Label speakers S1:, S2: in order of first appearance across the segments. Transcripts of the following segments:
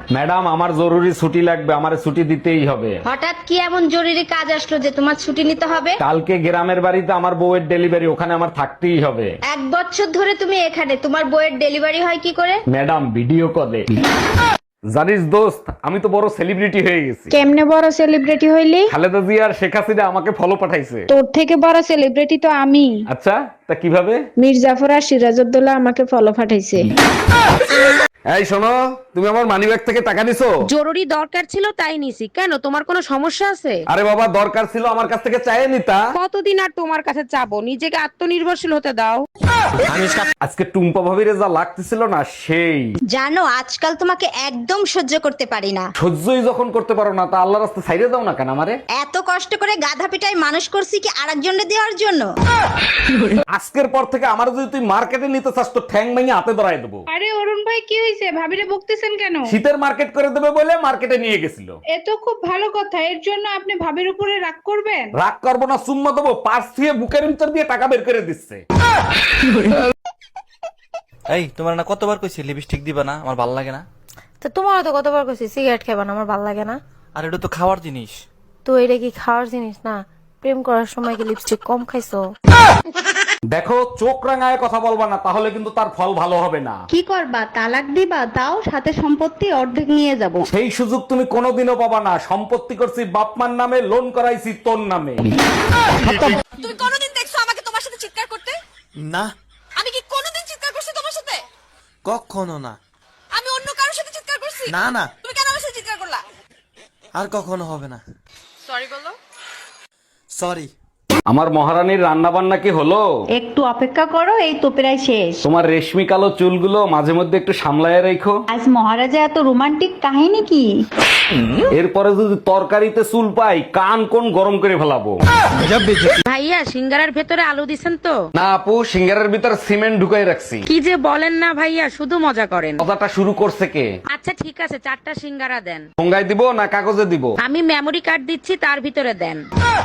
S1: Madam আমার জরুরি ছুটি লাগবে, আমারে ছুটি দিতেই হবে।
S2: হঠাৎ কি এমন জরুরি কাজ আসলো যে তোমার ছুটি নিতে হবে?
S1: কালকে গ্রামের বাড়িতে আমার বউয়ের ডেলিভারি, ওখানে আমার থাকতেই হবে।
S2: 1 বছর ধরে তুমি এখানে, তোমার বইয়ের ডেলিভারি হয় কি করে?
S1: ম্যাডাম ভিডিও কলে। জানিস দোস্ত, আমি তো বড় সেলিব্রিটি হয়ে গেছি।
S3: কেমনে বড় সেলিব্রিটি হইলি?
S1: খালেদা জিয়া আর শেখ হাসিনা আমাকে ফলো পাঠাইছে।
S3: তোর থেকে বড় সেলিব্রিটি তো আমি।
S1: আচ্ছা, তা কিভাবে?
S3: মীর জাফর আর সিরাজউদ্দৌলা আমাকে ফলো পাঠাইছে।
S1: এই শোনো, তুমি আমার মানিব্যাগ থেকে টাকা নিছো?
S4: জরুরি দরকার ছিল তাই নিছি। কেন, তোমার কোনো সমস্যা আছে?
S1: আরে বাবা, দরকার ছিল আমার কাছ থেকে চাইয়ে নিতা।
S4: কতদিন আর তোমার কাছে চাবো? নিজেকে আত্মনির্ভরশীল হতে দাও।
S1: আজকে টুম্পা ভাবিরে যা লাগতেছিল না, সেই
S2: জানো আজকাল তোমাকে একদম সহ্য করতে পারি না।
S1: সহ্যই যখন করতে পারো না, তা আল্লাহর রাস্তায় ছাইড়ে দাও না কেন আমারে?
S2: এত কষ্ট করে গাধা পিটাই মানুষ করছি কি আরেকজনকে দেওয়ার জন্য?
S1: আজকের পর থেকে আমার যদি তুই মার্কেটে নিতে চাস তো ঠ্যাং ভেঙে হাতে ধরায় দেবো।
S5: আরে অরুণ ভাই, কি হয়েছে? ভাবিরে বকতেছেন কেন?
S1: শীতের মার্কেট করে দেবে বলে মার্কেটে নিয়ে গেছিল।
S5: এ তো খুব ভালো কথা। এর জন্য আপনি ভাবির উপরে রাগ করবেন?
S1: রাগ করবো না, চুম্মা দেবো। পার্স দিয়ে বুকের ভিতর দিয়ে টাকা বের করে দিচ্ছে।
S6: এই তোমার না কতবার কইছি লিপস্টিক দিবা না, আমার ভাল লাগে না।
S7: তো তোমারও তো কতবার কইছি সিগারেট খাবা না, আমার ভালো লাগে না।
S6: আর এটা তো খাওয়ার জিনিস।
S7: তো এটা কি খাওয়ার জিনিস না? প্রেম করার সময় কি লিপস্টিক কম খাইছো?
S1: দেখো, চোখ রাঙায় কথা বলবা না, তাহলে কিন্তু তার ফল ভালো হবে না।
S8: কি করবা? তালাক দিবা? তাও সাথে সম্পত্তি অর্ধেক নিয়ে যাব।
S1: সেই সুযোগ তুমি কোনোদিনও পাবা না। সম্পত্তি করছি বাপমার নামে, লোন করাইছি তোর নামে।
S9: তুমি কোনোদিন দেখছো আমাকে তোমার সাথে চিৎকার করতে?
S6: না,
S9: আমি কি কোনোদিন চিৎকার করছি তোমার সাথে?
S6: কখনো না।
S9: আমি অন্য কারোর সাথে চিৎকার করছি?
S6: না না,
S9: তুমি কেন আমার সাথে চিৎকার করলা?
S6: আর কখনো হবে না।
S9: সরি বলো।
S6: সরি।
S1: আমার মহারানীর রান্না বান্না কি হলো?
S8: একটু অপেক্ষা করো, এই তো প্রায় শেষ।
S1: তোমার রেশমি কালো চুলগুলো মাঝে মধ্যে একটু সামলায় রেখো।
S8: আজ মহারাজা এত রোমান্টিক কাহিনী কি?
S1: এরপরে যদি তরকারিতে চুল পাই, কান কোন গরম করে ফেলাবো।
S4: ভাইয়া, সিঙ্গারার ভেতরে আলু দিছেন তো?
S1: না আপু, সিঙ্গারের ভিতর সিমেন্ট ঢুকাই রাখছি।
S4: কি যে বলেন না ভাইয়া, শুধু মজা করেন।
S1: কথাটা শুরু করছে কে?
S4: আচ্ছা ঠিক আছে, 4টা সিঙ্গারা দেন।
S1: ঠোঙ্গায় দিব না কাগজে দিব?
S4: আমি মেমরি কার্ড দিচ্ছি, তার ভিতরে দেন।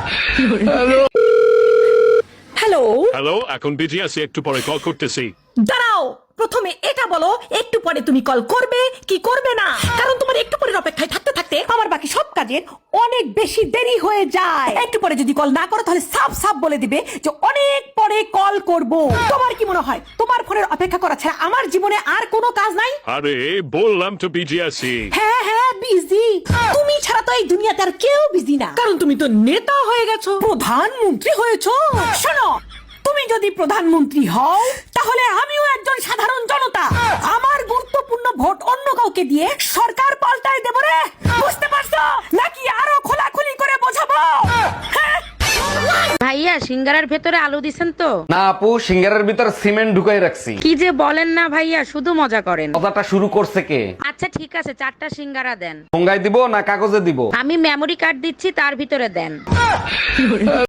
S9: হ্যালো,
S10: হ্যালো, এখন বিজি আছি, একটু পরে কল করতেছি।
S9: দাঁড়াও, প্রথমে এটা বলো একটু পরে তুমি কল করবে কি করবে না? কারণ তোমার একটু পরের অপেক্ষায় থাকতে থাকতে আমার বাকি সব কাজের অনেক বেশি দেরি হয়ে যায়। একটু পরে যদি কল না করো তাহলে সাফ সাফ বলে দিবে যে অনেক পরে কল করব। তোমার কি মনে হয় তোমার ফোনের অপেক্ষা করা ছাড়া আমার জীবনে আর কোনো কাজ নাই?
S10: আরে বললাম তো বিজি আছি।
S9: হ্যাঁ হ্যাঁ বিজি। তুমি ছাড়া তো এই দুনিয়াতে আর কেউ বিজি না, কারণ তুমি তো নেতা হয়ে গেছো, প্রধানমন্ত্রী হয়েছো। শোনো, তুমি যদি প্রধানমন্ত্রী হও তাহলে আমিও একজন সাধারণ জনতা। আমার গুরুত্বপূর্ণ ভোট অন্য কাউকে দিয়ে সরকার পাল্টাই দেব রে, বুঝতে পারছো নাকি? আরো খোলাখুলি করে বোঝাবো? হ্যাঁ?
S4: ভাইয়া, সিঙ্গারার ভেতরে আলু দিছেন তো?
S1: না আপু, সিঙ্গারের ভিতর সিমেন্ট ঢুকাই রাখছি।
S4: কি যে বলেন না ভাইয়া, শুধু মজা করেন।
S1: কথাটা শুরু করছে কে?
S4: আচ্ছা ঠিক আছে, 4টা সিঙ্গারা দেন।
S1: ঠোঙ্গায় দিব না কাগজে দিব?
S4: আমি মেমরি কার্ড দিচ্ছি, তার ভিতরে দেন।